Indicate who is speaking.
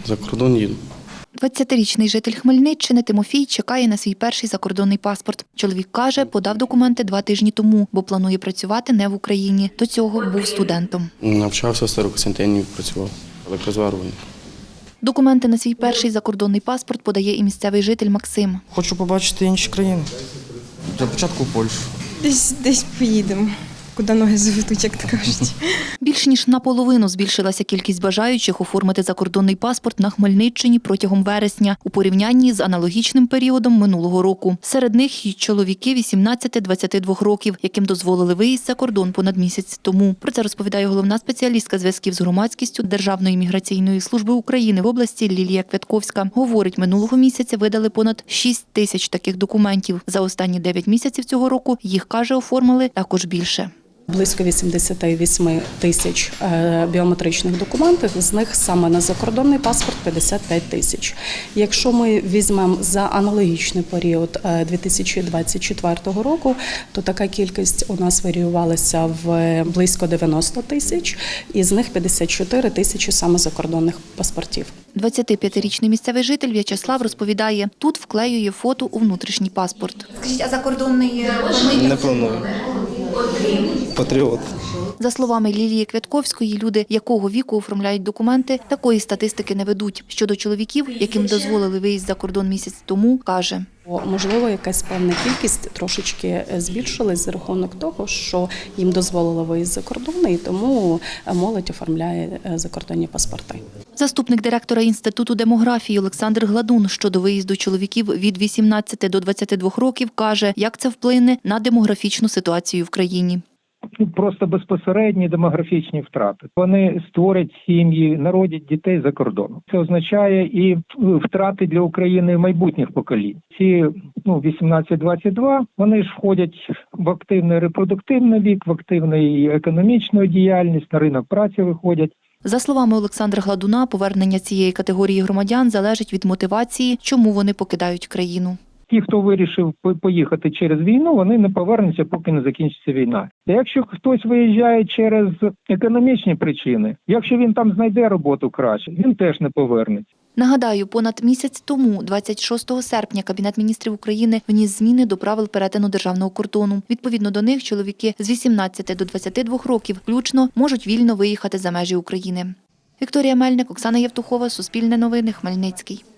Speaker 1: За кордон їду.
Speaker 2: 20-річний житель Хмельниччини Тимофій чекає на свій перший закордонний паспорт. Чоловік каже, подав документи 2 тижні тому, бо планує працювати не в Україні. До цього був студентом.
Speaker 1: Навчався в Старокостянтинові, працював електрозварювальник.
Speaker 2: Документи на свій перший закордонний паспорт подає і місцевий житель Максим.
Speaker 3: Хочу побачити інші країни. Для початку в Польщу.
Speaker 4: Десь поїдемо, куди ноги заведуть, як то кажуть.
Speaker 2: Більш ніж наполовину збільшилася кількість бажаючих оформити закордонний паспорт на Хмельниччині протягом вересня у порівнянні з аналогічним періодом минулого року. Серед них і чоловіки 18-22 років, яким дозволили виїзд за кордон понад місяць тому. Про це розповідає головна спеціалістка зв'язків з громадськістю Державної міграційної служби України в області Лілія Квятковська. Говорить, минулого місяця видали понад 6 тисяч таких документів. За останні 9 місяців цього року їх, каже, оформили також більше.
Speaker 5: Близько 88 тисяч біометричних документів, з них саме на закордонний паспорт 55 тисяч. Якщо ми візьмемо за аналогічний період 2024 року, то така кількість у нас варіювалася в близько 90 тисяч, і з них 54 тисячі саме закордонних паспортів.
Speaker 2: 25-річний місцевий житель В'ячеслав розповідає, тут вклеює фото у внутрішній паспорт.
Speaker 6: Скажіть, а закордонний
Speaker 1: Не планую. Патріот.
Speaker 2: За словами Лілії Квятковської, люди, якого віку оформляють документи, такої статистики не ведуть. Щодо чоловіків, яким дозволили виїзд за кордон місяць тому, каже.
Speaker 5: Можливо, якась певна кількість трошечки збільшилась за рахунок того, що їм дозволили виїзд за кордон, і тому молодь оформляє закордонні паспорти.
Speaker 2: Заступник директора Інституту демографії Олександр Гладун щодо виїзду чоловіків від 18 до 22 років каже, як це вплине на демографічну ситуацію в країні.
Speaker 7: Просто безпосередні демографічні втрати. Вони створять сім'ї, народять дітей за кордоном. Це означає і втрати для України майбутніх поколінь. Ці 18-22, вони ж входять в активний репродуктивний вік, в активну економічну діяльність, на ринок праці виходять.
Speaker 2: За словами Олександра Гладуна, повернення цієї категорії громадян залежить від мотивації, чому вони покидають країну.
Speaker 7: Ті, хто вирішив поїхати через війну, вони не повернуться, поки не закінчиться війна. Якщо хтось виїжджає через економічні причини, якщо він там знайде роботу краще, він теж не повернеться.
Speaker 2: Нагадаю, понад місяць тому, 26 серпня, Кабінет міністрів України вніс зміни до правил перетину державного кордону. Відповідно до них, чоловіки з 18 до 22 років включно можуть вільно виїхати за межі України. Вікторія Мельник, Оксана Євтухова, Суспільне новини, Хмельницький.